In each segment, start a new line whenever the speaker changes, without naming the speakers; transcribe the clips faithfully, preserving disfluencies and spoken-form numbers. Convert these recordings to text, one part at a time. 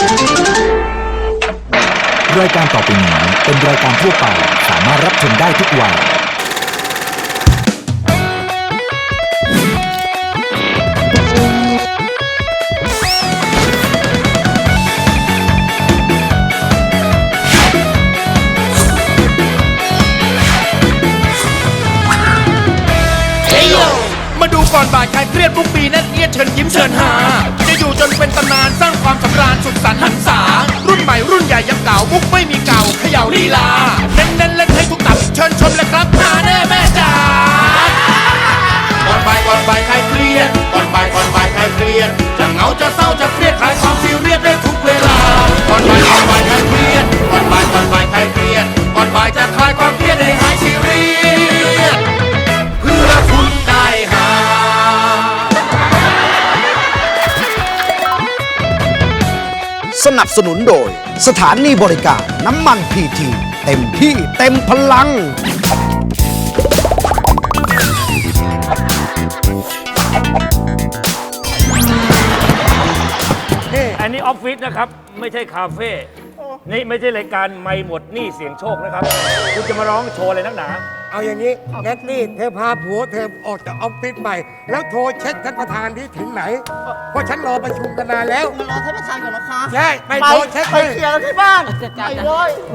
รายการต่อไปนี้เป็นรายการทั่วไปสามารถรับชมได้ทุกวัย
มาดูก่อนบ่ายใครเครียดทุกปีนั่นเอียดเชิญยิ้มเชิญหาจะอยู่จนเป็นตำนานสร้างความสำราญสุดสันต์หันษารุ่นใหม่รุ่นใหญ่ยังเก่ามุกไม่มีเก่าเขย่าลีลาเน้นเน้นเล่นให้ทุกตับเชิญชมเลยครับหาแน่แม่จ๋าก่อนบ่ายก่อนบ่ายใครเครียดก่อนบ่ายก่อนบ่ายใครเครียดจะเหงาจะเศร้าจะเครียดคลายความซีเรียสได้ทุกเวลาก่อนบ่ายก่อนบ่ายใครเครียดก่อนบ่ายก่อนบ่ายใครเครียดก่อนบ่ายจะคลายความเครียดให้หายซีเรียสเพื่อคุณได้หา
สนับสนุนโดยสถานีบริการน้ำมันพีทีเต็มที่เต็มพลัง
อันนี้ออฟฟิศนะครับไม่ใช่คาเฟ่นี่ไม่ใช่รายการไม่หมดหนี้เสียงโชคนะครับคุณจะมาร้องโชว์อะไรนักหนา
เอาอย่างนี้แนตตี้เธอพาผัวเธอออกจากออฟฟิศใหม่แล้วโทรเช็คท่านประธานที่ถึงไหนเพราะฉันรอประชุมกันนานแล้ว
รอท่านประธานก่อนนะคะ
ใช่ไปโทรเช็ค
ไปเคลียร์กันที่บ้านไปเลย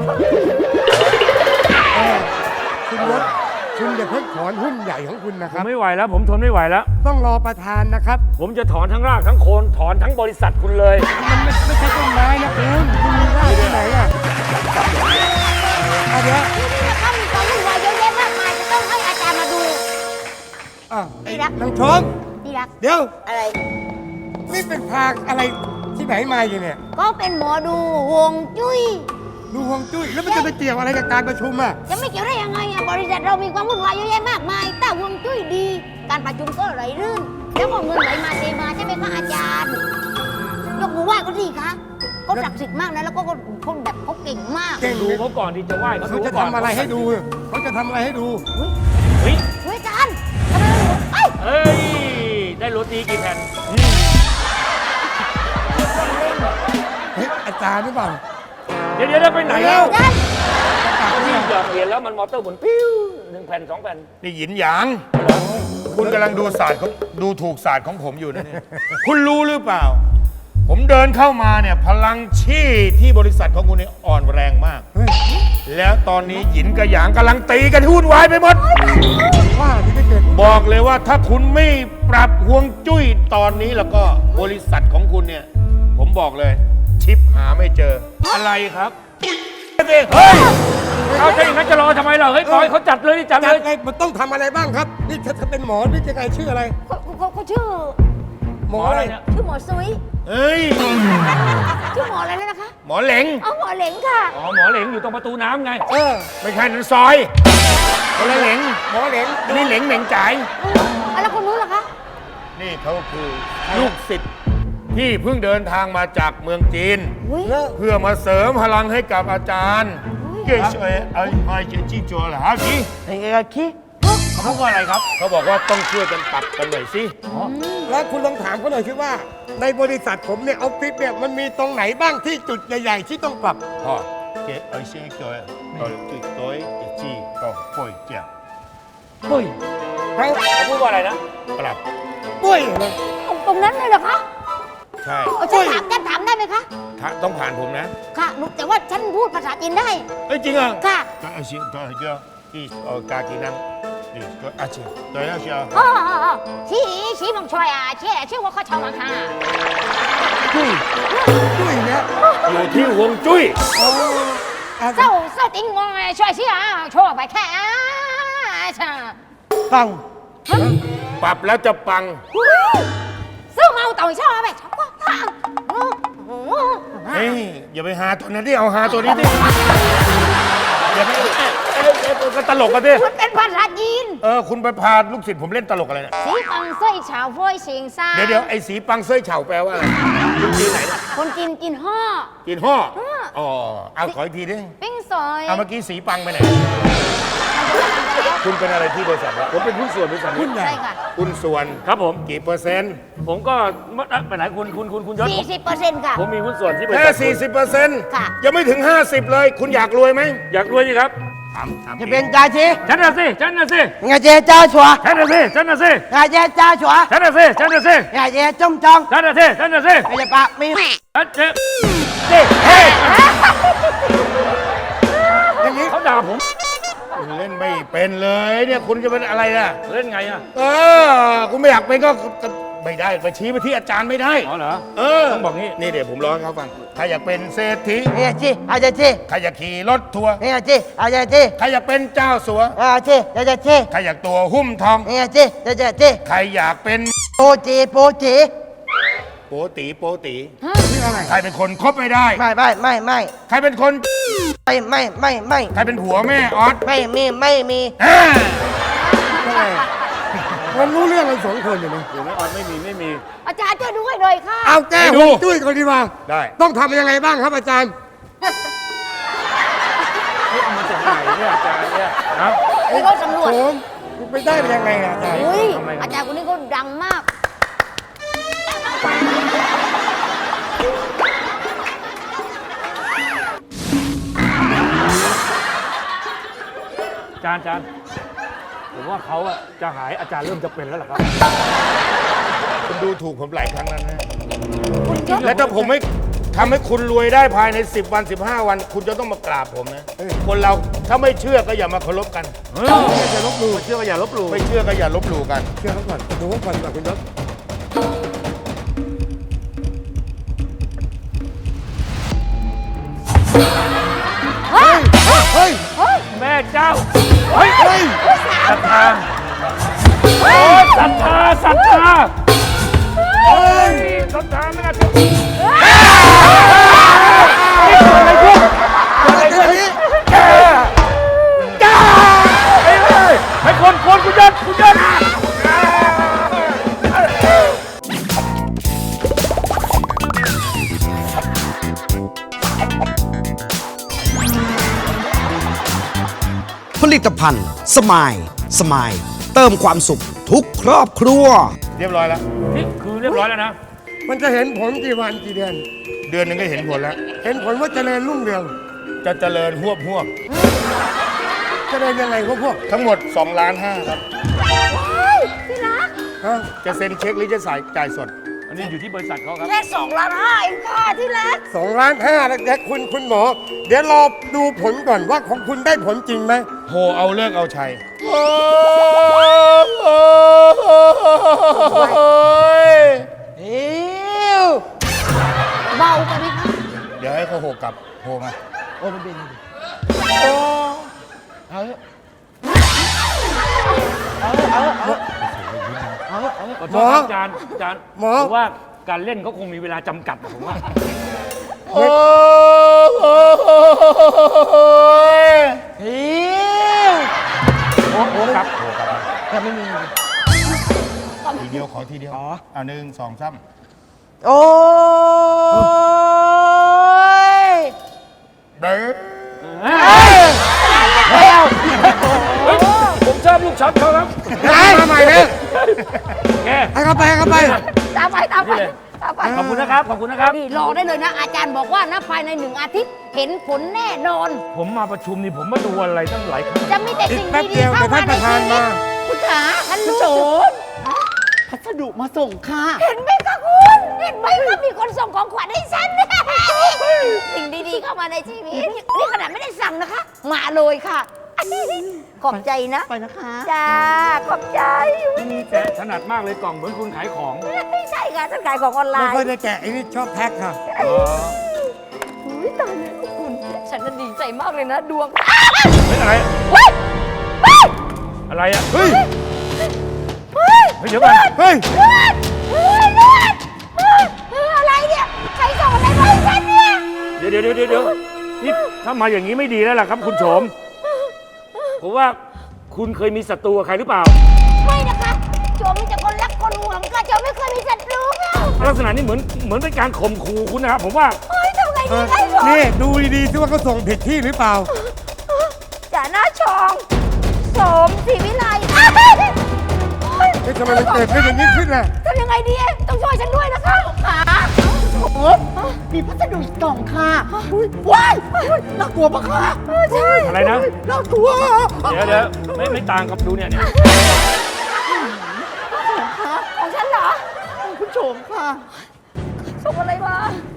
คุณรถคุณอย่าเพิ่งถอนหุ้นใหญ่ของคุณนะค
ผ
รับ
มไม่ไหวแล้วผมทนไม่ไหวแล้ว
ต้องรอประธานนะครับ
ผมจะถอนทั้งรากทั้งโคนถอนทั้งบริษัทคุณเลย
มันไม่ไม่ใช่ต้นไม้นะคุณคุณมีรากที่ไหนอ่ะอ่ะเดี๋ยว
ถ้ามีความวุ่นวายเยอะแยะมากมายจะต้องให้อาจารย์มาดู
อ่ะ
ดีรัก
นางชม
ดีรัก
เดี๋ยว
อะไร
นี่เป็นพาอะไรที่ไหนมาอยู่เนี่ย
ก็เป็นหมอดูฮวงจุ้ย
ดูฮวงจุ้ยแล้วมันจะไปเกี่ยวอะไรกับการประชุมอ่ะ
จะไม่เกี่ยวได้ยังไงอ่ะบริษัทเรามีความวุ่นวายเยอะแยะมากมายแต่ฮวงจุ้ยดี การประชุมก็ไหลลื่น แล้วก็เงินไหลมาเทมาใช่ไหมคะอาจารย์ ยกมือไหว้ก็ดีคะเขาศักดิ์สิทธิ์มากนะแล้วก็เขาแบบเขาเก่งมาก
เก่ง
ดูเขาก่อนที่จะไหว้เขา
เขา
ดู
จะ
ก่อน
ทำอะไรให้ดูเขาจะทำอะไรให้ดู
เฮ้ย
เฮ้ยอาจารย์ทำไมเราเอ้ย
เอ้ยได้โรตีกี่แผ่น
เฮ้ยอาจารย์หรือเปล่า
เดี๋ยวเดี๋ยวไปไหนแล้ว
อาจารย์
ที่หยอดเหรียญแล้วมันมอเตอร์หมุนปิ้วหนึ่งแผ่นสองแผ่น
นี่หยินหยาง คุณกำลังดูศาสตร์ของดูถูกศาสตร์ของผมอยู่นะเนี่ย คุณรู้หรือเปล่า ผมเดินเข้ามาเนี่ยพลังชี่ที่บริษัทของคุณเนี่ยอ่อนแรงมาก
เฮ้ย
แล้วตอนนี้หยินกับหยางกำลังตีกันวุ่นวายไปหมด
ว่าที่ไม่เกิด
บอกเลยว่าถ้าคุณไม่ปรับฮวงจุ้ยตอนนี้แล้วก็บริษัทของคุณเนี่ย ผมบอกเลย ชิปหาไม่เจอ
อะไรครับเฮ้ยเอาถ้าอย่างนั้นจะรอทำไมเราเฮ้ยปล่อยเขาจัดเลยจัด
จั
เล
ด
ย
ไงมันต้องทำอะไรบ้างครับ นี่ถ้าเป็นหมอนี่จะไงชื่ออะไร
เขาเขาเขาชื่อ
หมออะไร
เนี่ย
ชื่อหมอซุย
เฮ้ย
ชื่อหมออะไรแล้วนะคะ
หมอเหลง
เอาหมอเหลงค่ะ
อ๋อหมอเหลงอยู่ตรงประตูน้ำไง
เออ
ไม่ใช่นั่นซอยคนละเหลง
หมอเหลง
นี่เหลงเหม่งจ่าย
เอาแล้วคนนู้นล่ะคะ
นี่เขาคือลูกศิษย์ที่เพิ่งเดินทางมาจากเมืองจีน
อุ้ย
เลิก
เพื่อมาเสริมพลังให้กับอาจารย์เก่งช่วยไอ้ไอ้เจจี้จัวเหรอฮะพี่
ไอ้ไอ้ขี้เขาพูดว่าอะไรครับ
เขาบอกว่าต้องช่วยกันปรับกันหน่อยสิ
แล้วคุณลองถามเขาหน่อยสิว่า ในบริษัทผมเนี่ยออฟฟิศเนี่ยมันมีตรงไหนบ้างที่จุดใหญ่ๆที่ต้องปรับ
พ่อเก๋ไอ้เชี่ยเก๋ตัวจุดตัวเจจี้ก็ป่วยเจีย
เฮ้ย
เขา
เขาพูดว่าอะไรนะ
ปรับ
ปุ้ยนะ
ตรงนั้นเลยเหรอคะ
ใช่
เอาฉันถามฉันถามได้ไหมคะ
ถ้าต้องผ่านผมนะ
ค่ะหนูแต่ว่าฉันพูดภาษาจีนได้
เอ้ยจริงเหรอ
ค่ะ
ก็ไอ้เชี่ยตัวไอ้เจ้าที่เออกากีนังนี่ก็อาเชี่ยตัวไอ้เชี่ย
อ๋ออ๋ออ๋อชี้ชี้มองช่วยอ่ะเชี่ยชื่อว่าข้าชาวมังค่ะ
ปุ้ยปุ้ยเนี่ย
อยู่ที่ฮวงจุ้ย
โอ้อ่ะ
เศร้าเศร้าติ้งงงไงช่วยชี้อ่ะช่วยไปแค่อ่ะใช่
ปัง
ปรับแล้วจะปัง
ซื้อมาเอาต่อยช่อไปชอบก็ทาง
เฮ้ยอย่าไปหาตัวนั้นดิเอาหาตัวนี้ดิอย่าไปเอ้ยเอ้ยก็ตลกกันดิ
มันเป็นภาษาจีน
เออคุณไปพาลูกศิษย์ผมเล่นตลกอะไรเนี่ย
สีปังเส้ยฉาวฟ้อยเสียงซา
เดี๋ยวเดี๋ยวไอ้สีปังเส้ยเฉาแปลว่าอะไรคุณจีนไหนเนี่ย
คนจีนกินห่อ
จีนห่อ
ห่อ
อ๋อเอาขออีกทีดิ
ปิ้งซอย
เอาเมื่อกี้สีปังไปไหน
มันจะ
คุณเป็นอะไรที่บริษัทวะ
ผมเป็นหุ้นส่วนบริษัทนี้
ใช่ค่ะ
คุณส่วน
ครับผม
กี่เปอร์เซ็นต์
ผมก็ไปไหนคุณคุณคุณคุณยศ
สี่สิบเปอร์เซ็นต์ค่ะ
ผมมีหุ้นส่วนที่บริ
แค่
ษัท
สี่สิบเปอร์เซ็นต์
ค่ะ
ยังไม่ถึง ห้าสิบ เลย คุณอยากรวยไหม
อยากรวยสิครับ
ถามถาม
จะเป็นจ่าชี
ฉันน่ะสิฉันน่ะสิ
งาเจจ้าชัว
ฉันน่ะสิฉันน่ะสิ
งาเจจ้าชัว
ฉันน่ะสิฉันน่ะสิ
งาเจจ้องจอง
ฉันน่ะสิฉันน่ะสิ
ไอ้ปากมี
ฉันเจ็บ
อย่างนี้
เขาด่าผม
คุณเล่นไม่เป็นเลยเนี่ยคุณจะเป็นอะไรล่ะ
เล่นไงอ่ะ
เออ คุณไม่อยากเป็นก็ก็ไม่ได้ไปชี้ไปที่อาจารย์ไม่ได้
อ๋อเหรอ
เออ
ต้องบอกงี้
นี่เดี๋ยวผมร้องให้เขาฟังใครอยากเป็นเศรษฐี
งาจีอาจาจี
ใครอยากขี่รถทัวร์
งาจีอาจาจี
ใครอยากเป็นเจ้าสัว
อาจีอาจาจี
ใครอยากตัวหุ้มทอง
งาจีอาจาจี
ใครอยากเป็น
โปจีโปจี
โปตีโปตี
นี่อะไร
ใครเป็นคนคบไม่ได้
ไม่ไม่ไม่ไม่
ใครเป็นคน
ไม่ไม่ไม่ไม่
ใครเป็นผัวแม่ออส
ไม่มีไม่มี
อ่า
มันรู้เรื่องกันสองคนอยู่นะ
อยู่ไม่ออนไม่มีไม่มี
อาจารย์ช่วยดูให้หน่อยค่ะ
เอาแก้ฮวงจุ้ยก่อนดีกว่า
ได้
ต้องทำยังไงบ้างครับอาจารย์
นี่เอามาจากไหนเนี่ยอาจารย์เนี่ยครับ
นี่เขาสำรวจ
ผมคุณไปได้เป็นยังไงอะอาจารย์
อุ้ย
ทำไมครับ
อาจารย์คนนี้เขาดังมาก
อาจารย์อาจารย์ผมว่าเขาอะจะหายอาจารย์เริ่มจะเป็นแล้วล่ะครับ
คุณดูถูกผมหลายครั้งแล้วนะ
คุณยศ
และถ้าผมไม่ทำให้คุณรวยได้ภายใน สิบ วัน สิบห้า วัน คุณจะต้องมากราบผมนะ คนเราถ้าไม่เชื่อก็อย่ามาเคารพกัน
เอออย่าลบหลู่เชื่อว่าอย่าลบหลู่
ไม่เชื่อก็อย่าลบหลู่กัน
เชื่อเขาก่อนดูเขาก่อนดีกว่าคุณยศ
เฮ้ย
เฮ้ย
เฮ้ย
แม่เจ้าเฮ้ย
เฮ้ย
ศรัทธาโอ้ยศรัทธาศรัทธาโอ้ยศรัทธาไม่น่าเชื่อนี่เกิดอะไรขึ้นเกิดอะไรขึ้นจ้าเฮ้ยเฮ้ยให้คนคนคุณยศคุณยศ
ผลิตภัณฑ์สมายสมายเติมความสุขทุกครอบครัว
เรียบร้อยแล้ว
นี่คือเรียบร้อยแล้วนะ
มันจะเห็นผลกี่วันกี่เดือน
เดือนหนึงก็เห็นผลแล้ว
เห็นผลว่าเจริญรุ่งเรือง
จะเจริญหวบหวบ
เจริญยังไงพวกพวก
ทั้งหมด2ล้านห้าครับ
ที่รัก
ฮะ
จะเซ็นเช็คหรือจะสายจ่ายสด
อันนี้อยู่ที่บริษัทเขาครับ
แค่สองล้านห้าเองค่ะที่รัก
สองล้านห้าแล้วเดี๋ยวคุณคุณหมอ เดี๋ยวรอดูผลก่อนว่าของคุณได้ผลจริงไหม
โหเอาเลิกเอาชัย
อิ้ว
เบาไปไหมคะ
เดี๋ยวให้เขาโหกลับโหมา
โอ้มันเป็นเอาเถอะเอาเถอะเอาเถอะเอาเถอะเอาเถอะ
ขอโทษครับอาจารย์อาจารย์
หมอ
ผมว่าการเล่นเขาคงมีเวลาจำกัดผมว่า
โอ้ย
อิ้ว
โอ้โหครับ
โหกลับมา
แต่ไม่มี
ทีเดียวขอทีเดียว
อ๋อ
อ่าหนึ่งสองสาม
โอ้ย
เด้อ
ไม่เอา
ผมชอบลูกช็อตเขาครับ
มาใหม่เลย
แก
ให้เขาไปให้เขาไป
ตามไปตามไป
นี่เลย
ตามไป
ขอบคุณนะครับ ขอบคุณนะครับ
นี่รอได้เลยนะ อาจารย์บอกว่านะภายในหนึ่งอาทิตย์เห็นผลแน่นอน
ผมมาประชุมนี่ผมมาดูอะไรตั้งหลายครั้ง
จะมีแต่สิ่ง
แป๊บเดี
ดี
ยว
ๆเข้ามาใน
เดี๋ยวท่านประธาน
ชีวิต
มา
คุณขาท่านรู้
โจ
สึก
พัสดุมาส่งค่ะ
เห็นไหมคะคุณเห็นไหมว่ามีคนส่งของขวัญให้ฉัน สิ่งดีๆเข้ามาในชีวิตนี่ขนาดไม่ได้สั่งนะคะ มาเลยค่ะ ขอบใจนะ
ไปนะคะ
จ้าขอบใจ
แต่ถนัดมากเลยกล่องเหมือนคุณขายของ
ไม่ใช่ค่ะฉันขายของออนไล
ไม่
น์
ค่อยได้แกะไอ้นี่ชอบแพ็คค่ะ
อุ๊ยตายแล้วคุณ ฉันน่ะดีใจมากเลยนะ ดวง
เฮ้ยอะไร
เฮ้ยเฮ้ย
อะไรอ่ะ
เฮ้ย
เฮ้ย
เฮ้ยเดี๋ยวก่อน
เฮ้ย
เลือดเลือดเลือดเลือดเลือดอะไรเนี่ย ใครส่งอะไรมาให้ฉันเนี่ย
เดี๋ยวเดี๋ยวเดี๋ยวเดี๋ยวนี่ถ้ามาอย่างนี้ไม่ดีแล้วล่ะครับ คุณโฉมผมว่าคุณเคยมีศัตรูกับใครหรือเปล่า
ไม่นะคะโจมมีแต่คนรักคนห่วงค่ะโจมไม่เคยมีศัตรูค่ะ
ลักษณะนี้เหมือนเหมือนเป็นการข่มขู่คุณนะครับผมว่า
เฮ้ยทำไง
เอ
ดี
อ
ได้หรอ
นี่ดูดีๆซิว่าเขาส่งผิดที่หรือเปล่า
จ่าหน้าชองสมศรีวิไล
นี่ทำไมมันเกิดเป็นอย่างนี้ขึ้นล่ะ
ทำยังไงดี ต้องช่วยฉันด้วยนะคะ
ขาโอ๊ยมีพัสดุอีกกล่องค่ะอุ๊ยว้ายน่ากลัวปะคะ
ใช่
อะไรนะ
น่ากลัว
เดี๋ยวเดี๋ยวไม่ไม่ต่างกับดูเนี่ยเนี่ย
ของฉันเหรอ
คุณโฉมค่ะ
ส่งอะไรมา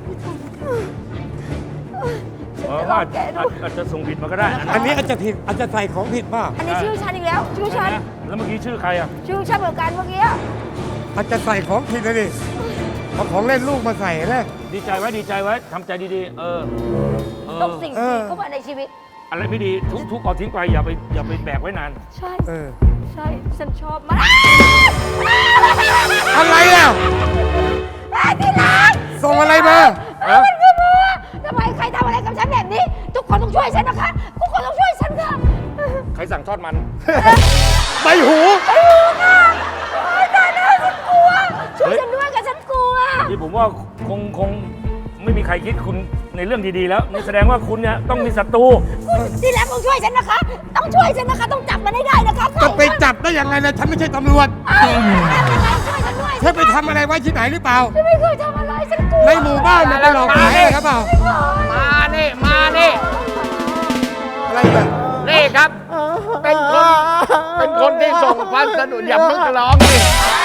เออว่าอาจอาจอาจจะส่งผิดมาก็ได้
อันนี้อาจจะผิดอาจจะใส่ของผิดป่ะ
อันนี้ชื่อฉันอีกแล้ว ชื่อฉัน
นะแล้วเมื่อกี้ชื่อใครอ่ะ
ชื่อฉันเหมือนกันเมื่อกี้
อาจจะใส่ของผิดเลยดิเอาของเล่นลูกมาใส่นะ
ดีใจไว้ดีใจไว้ทำใจดีๆ เออเออ
ต้องสิ่ง
เอ
ดี
อ
เข้ามาในชีวิต
อะไรไม่ดีทุกทุกเอาทิ้งไปอย่าไปอย่าไปแบกไว้นาน
ใช่
เออ
ใช่ ฉันชอบมาก
อะไรอ่ะ
ที่รัก
ส่งอะไรมา
เออ
มันคือมือทำไมใครทำอะไรกับฉันแบบนี้ ทุกคนต้องช่วยฉันนะคะ ทุกคนต้องช่วยฉันค่ะ
ใครสั่งทอดมัน
ใบหู
ไอ้หูค่ะโอ๊ยตายแล้วฉันกลัว ช่วยฉันด้วยกับฉันกลัว
นี่ผมว่าคงคงไม่มีใครคิดคุณในเรื่องดีๆแล้วนี่แสดงว่าคุณเนี่ยต้องมีศัตรู
ที่รักต้องช่วยฉันนะคะ ต้องช่วยฉันนะคะ ต้องจับมันให้ได้นะคะ
จะไปจับได้ยังไงล่ะฉันไม่ใช่ตำรวจ
เอ้ยยังไงช่วยฉันด้วย
เธอไปทำอะไรไว้ที่ไหนหรือเปล่า
ฉันไม่เคยทำอะไร ฉันกลัว
ในหมู่บ้านมันไปหลอกขายอะไรครับเปล่า
มานี่ มานี่
อะไรแบบ
นี่ครับ เป็นคน เป็นคนที่ส่งพัสดุอย่าเพิ่งร้องสิ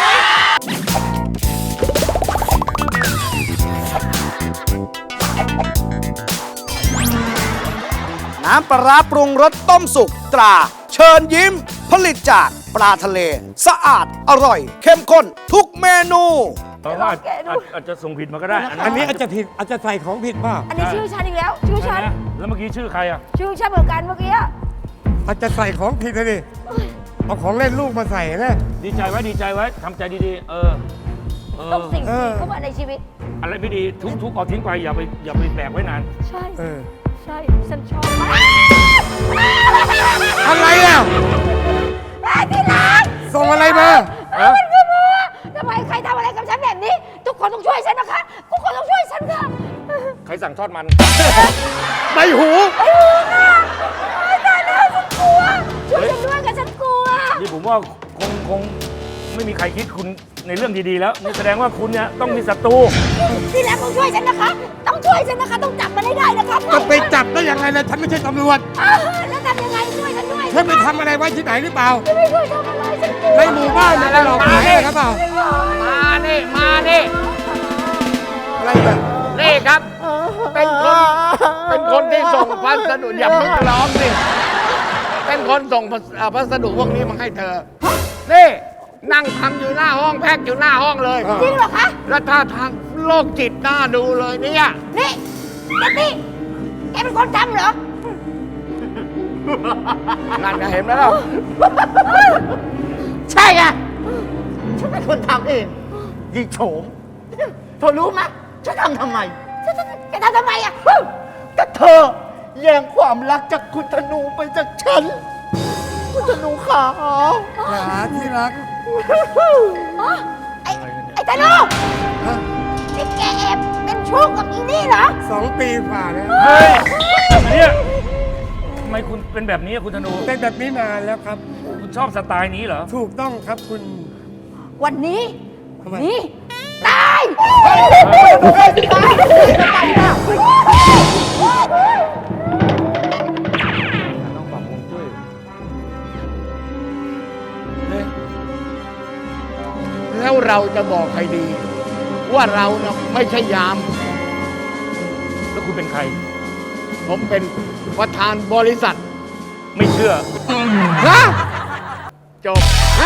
น้ำปลาร้าปรุงรสต้มสุกตรา เชิญยิ้ม ผลิตจากปลาทะเล สะอาดอร่อย เข้มข้นทุกเมนู
เพราะว่าอาจอาจอาจจะส่งผิดมาก็ได้
อันนี้อาจจะผิดอาจจะใส่ของผิดป่ะ
อันนี้ชื่อฉันอีกแล้ว ชื่อฉัน
นะแล้วเมื่อกี้ชื่อใครอ่ะ
ชื่อฉันเหมือนกันเมื่อกี้
อาจจะใส่ของผิดเลยดิเอาของเล่นลูกมาใส่นะ
ดีใจไว้ดีใจไว้ทำใจดีๆ เออเออ
ต้องสิ่ง
เอ
ดี
อ
เข้ามาในชีวิต
อะไรไม่ดีทุกทุกเอาทิ้งไปอย่าไปอย่าไปแบกไว้นาน
ใช่
เออ
ใช่ ฉันชอบมาก
อะไรอ่ะ
ที่รัก
ส่งอะไรมา
เออ
มันคือมือทำไมใครทำอะไรกับฉันแบบนี้ ทุกคนต้องช่วยฉันนะคะ ทุกคนต้องช่วยฉันค่ะ
ใครสั่งทอดมัน
ใบหู
ไอ้หูค่ะโอ๊ยตายแล้วฉันกลัว ช่วยฉันด้วยกับฉันกลัว
นี่ผมว่าคงคงไม่มีใครคิดคุณในเรื่องดีๆแล้วนี่แสดงว่าคุณเนี่ยต้องมีศัตรู
ที่รักต้องช่วยฉันนะคะ ต้องช่วยฉันนะคะ ต้องจับมันให้ได้นะคะ
จะไปจับได้ยังไงล่ะฉันไม่ใช่ตำรวจ
อ้าวแล้วทำยังไงช่วยฉันด้วย
เธอไปทำอะไรไว้ที่ไหนหรือเปล่า
ฉันไม่เคยทำอะไรฉันกลัว
ในหมู่บ้านมันไปหลอกขายอะไรครับเปล่า
มานี่ มานี่
อะไรแบบ
นี่ครับ เป็นคน เป็นคนที่ส่งพัสดุอย่าเพิ่งร้องสิ เป็นคนส่งพัสเอ่อพัสดุพวกนี้มาให้เธอ นี่ นั่งทำอยู่หน้าห้องแพ็คอยู่หน้าห้องเลย
จริงเหรอคะ
แล้วท่าทางโรคจิตหน้าดูเลยเนี่ย
นี่เด็กนี่แกเป็นคนทำเหรอ
นั่นไงเห็นไหมล่ะ
ใช่ไงฉันเป็นคนทำเองยีโฉมเธอรู้ไหมฉันทำทำไม
แกทำทำไมอ่ะ
ก็เธอแย่งความรักจากคุณธนูไปจากฉัน คุณธนูขา
ขาที่รัก
อ๋อไอ้ไอ้ตาโน่นี่แกแอบเป็นชู้กับอีนี่เหรอ
สองปีฝ่าแล้ว
เฮ้ยอันเนี่ยทำไมคุณเป็นแบบนี้อะคุณธนู
เป็นแบบนี้นานแล้วครับ
คุณชอบสไตล์นี้เหรอ
ถูกต้องครับคุณ
วันนี้
ทำไม
นี่ ตาย
ต้องปรับฮวงจุ้ย
แล้วเราจะบอกใครดี ว่าเราเนะไม่ใช่ยาม
แล้วคุณเป็นใคร
ผมเป็นประธานบริษัท
ไม่เชื่อ
ฮะจบฮะ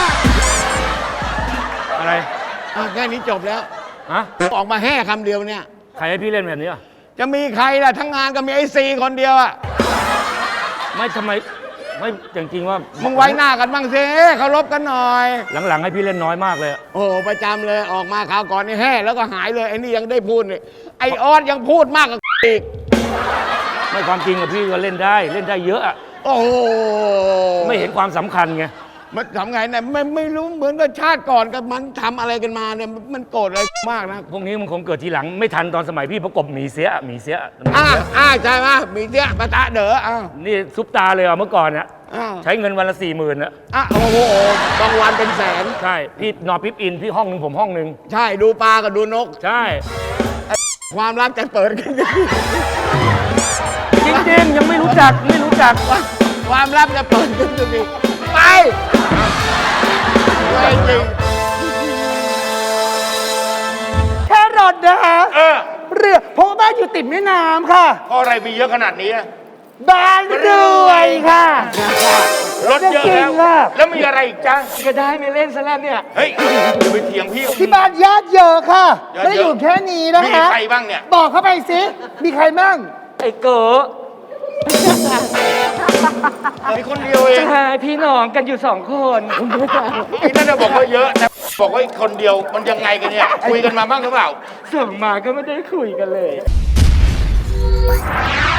อะไร
อ่ะแค่นี้จบแล้ว
ฮะ
ออกมาแห่คำเดียวเนี่ย
ใครให้พี่เล่นแบบนี้อะ
จะมีใครล่ะ ทั้งงานก็มีไอซีคนเดียวอะ
ไม่ทำไม ไม่จริงๆว่า
มึ
มึ
งไว้หน้ากันบ้างสิเคารพกันหน่อย
หลังๆให้พี่เล่นน้อยมากเลยอะ
โอ้โหประจำเลยออกมาคราวก่อนนี่แห่แล้วก็หายเลยไอ้นี่ยังได้พูดเลยไอออสยังพูดมากกว่าอีก
ไม่ความจริงกับพี่ก็เล่นได้เล่นได้เยอะอะ
โอ้โห
ไม่เห็นความสำคัญไง
มันทำไงเนี่ยไม่ไม่รู้เหมือนกับชาติก่อนกับมันทำอะไรกันมาเนี่ยมันโกรธอะไรมากนะ
พวกนี้มันคงเกิดทีหลังไม่ทันตอนสมัยพี่ประกบหมีเสียหมีเสียหมี
อ่า
เสีย
อ่าใช่ไหมมีเสียปะตะเด๋ออ่า
นี่ซุปตาเลยอ่ะเมื่อก่อนเนี่ย
อ้าว
ใช้เงินวันละสี่หมื่นอะ
อ่ะโอ้โหบางวันเป็นแสน
ใช่ พี่นอนพิบอิน พี่ห้องหนึ่งผมห้องหนึ่ง
ใช่ดูปลากับดูนก
ใช่
ความลับจะเปิดขึ้นดิ
จริงๆ ยังไม่รู้จักไม่รู้จัก
ความลับจะเปิดขึ้นดิไปไปจริง
แค่รถนะคะ
เออ
เรือเพราะว่าบ้านอยู่ติดแม่น้ำค่ะ
เพราะอะไรมีเยอะขนาดนี้อะ
บ้านรวยค่ะ
รถเยอะ
จริ
แล้ว
งค่ะ
แล้วมีอะไรอีกจ้า
ก็ได้ไม่เล่นซะแล้วเนี่ย
เฮ้ยอย่าไปเถียงพี่
ที่บ้านญาติเยอะค่ะ
ญาติเยอะ
ไม่ได้อยู่แค่นี้นะคะ
มีใครบ้างเนี่ย
บอกเข้าไปสิ มีใครบ้าง
ไอ้เก๋อ
มีคนเดียวเอง
ใช่พี่น้องกันอยู่สองคน
ไอ้นั่นน่ะบอกว่าเยอะนะบอกว่าคนเดียวมันยังไงกันเนี่ยคุยกันมาบ้างหรือเปล่า
ส่งมาก็ไม่ได้คุยกันเลย